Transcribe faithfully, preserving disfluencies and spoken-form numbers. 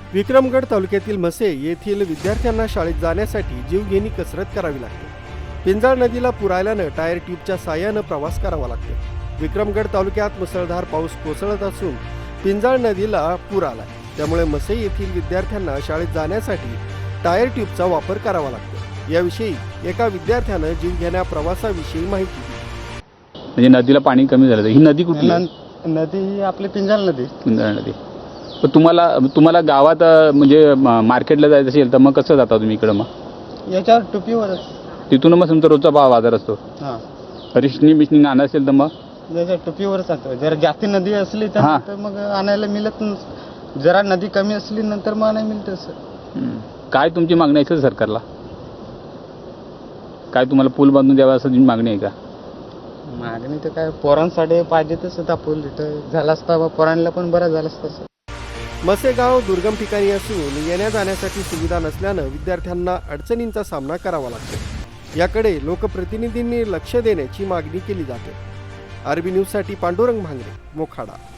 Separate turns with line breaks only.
विक्रमगड तालुक्यातील म्हसे येथील विद्यार्थ्यांना शाळेत जाण्यासाठी जीवघेणी कसरत करावी लागते। पिंजाळ नदीला पूर आल्यानं टायर ट्यूबच्या साहाय्यानं प्रवास करावा लागतो। विक्रमगड तालुक्यात मुसळधार पाऊस कोसळत असून पिंजाळ नदीला पूर आलाय, त्यामुळे म्हसे येथील विद्यार्थ्यांना शाळेत जाण्यासाठी टायर ट्यूबचा वापर करावा लागतो। याविषयी एका विद्यार्थ्यानं जीवघेण्या प्रवासाविषयी माहिती दिली।
म्हणजे नदीला पाणी कमी झालं, ही नदी कुठली आहे?
नदी ही आपली पिंजाळ नदी।
पिंजाळ नदी। पण तुम्हाला तुम्हाला गावात अ, म्हणजे म- मार्केटला जायचं असेल तर मग कसं जाता तुम्ही इकडं? मग
याच्यावर टुपीवरच।
तिथून मग तुमचा रोजचा भाव बाजार असतो।
हां,
रिशनी बिशनी आणायचं असेल तर मग
याच्या टुपीवरच जातो। जर जास्त नदी असली तर
हां.
तर मग आणायला मिळत नाही। जरा नदी कमी असली नंतर मग आणायला मिळतं सर।
हम्म. काय तुमची मागणी आहे सर सरकारला? काय तुम्हाला पूल बांधून द्यावा असं तुमची मागणी आहे का?
मागणी तर काय पोरांसाठी पाहिजे तसं तापूल इथं झाला असता, बा पोरांना पण बरं झालं असतं सर।
म्हसे गाव दुर्गम ठिकाणी असून येण्या जाण्यासाठी सुविधा नसल्यानं विद्यार्थ्यांना अडचणींचा सामना करावा लागतो। याकडे लोकप्रतिनिधींनी लक्ष देण्याची मागणी केली जाते। आरबी न्यूजसाठी पांडुरंग भांगरे, मोखाडा।